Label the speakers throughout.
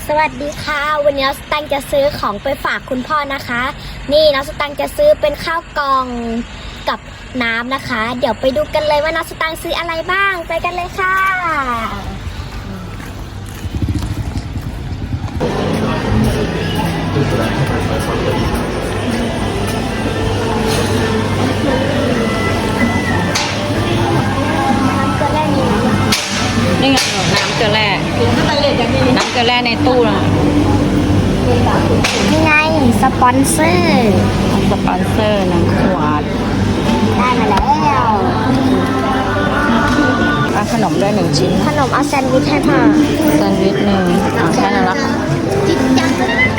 Speaker 1: สวัสดีค่ะวันนี้น้องสตังค์จะซื้อของไปฝากคุณพ่อนะคะ นี่น้องสตังค์จะซื้อเป็นข้าวกล่องกับน้ำนะคะ เดี๋ยวไปดูกันเลยว่าน้องสตังค์ซื้ออะไรบ้างไปกันเลยค่ะ
Speaker 2: นี่ไงน้ำเกลือแร่น้ำเกลือแร่ในตู้นะ
Speaker 1: นี่ไงสปอนเซอร์
Speaker 2: สปอนเซอร์นะขวด
Speaker 1: ได้มาแล้ว
Speaker 2: เอาขนมด้วย1 ชิ้น
Speaker 1: ขนมเอาแซนด์วิชให้พ่อ
Speaker 2: แซนด์วิช1แค่นั้นละค่ะ
Speaker 1: จิ๊กจัง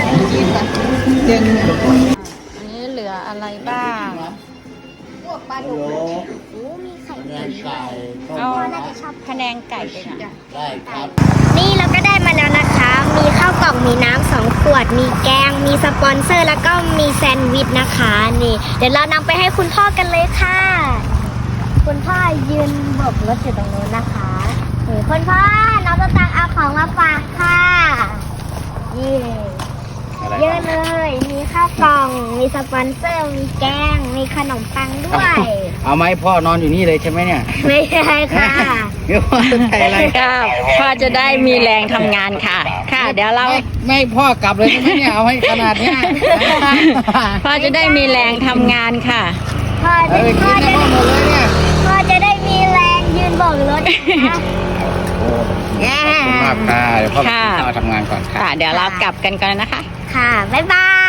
Speaker 2: อันนี้เหลืออะไรบ้าง
Speaker 1: พวกปลาดุกโอ้มีไข่เค็มด้วย
Speaker 2: เอา
Speaker 1: พ่อน่าจะชอบ
Speaker 2: พะแนงไก่ด้วยนะ
Speaker 3: ได้ครับ
Speaker 1: นี่เราก็ได้มาแล้วนะคะ มีข้าวกล่อง มีน้ำ2 ขวด มีแกง มีสปอนเซอร์ แล้วก็มีแซนด์วิชนะคะ นี่ เดี๋ยวเรานำไปให้คุณพ่อกันเลยค่ะ คุณพ่อยืนโบกรถอยู่ตรงนู้นนะคะนี่คุณพ่อ น้องตะตังเอาของมาฝากค่ะนี่
Speaker 3: อะไร
Speaker 1: เยอะเลย มีข้าวกล่อง มีสปอนเซอร์ มีแกง มีขนมปังด้วย
Speaker 3: เอาไหมพ่อนอนอยู่นี่เลยใช่ไหมเนี่ย
Speaker 1: ไม่ใช่ค่ะ
Speaker 3: เดี๋ยวพ่อจะใส่อะไร
Speaker 2: ค่ะพ่อจะได้มีแรงทำงานค่ะ ค่ะ เดี๋ยวเรา
Speaker 3: ไม่ให้พ่อกลับเลยใช่ไหมเนี่ยเอาให้ขนาดเนี้ย
Speaker 2: พ่อจะได้มีแรงทำงานค่ะ
Speaker 1: พ่อ
Speaker 3: เอาไปกินในห้องหมดเลยเนี่ย
Speaker 1: พ่อจะได้มีแรงยืนโบกรถนะคะ
Speaker 3: ขอบคุณมากค่ะเดี๋ยวพ่อไป
Speaker 2: ค่ะ
Speaker 3: กินข้าวทำงานก่อนค่ะ
Speaker 2: ค่ะ เดี๋ยวเรากลับกันก่อนนะคะ
Speaker 1: ค่ะ บ๊ายบาย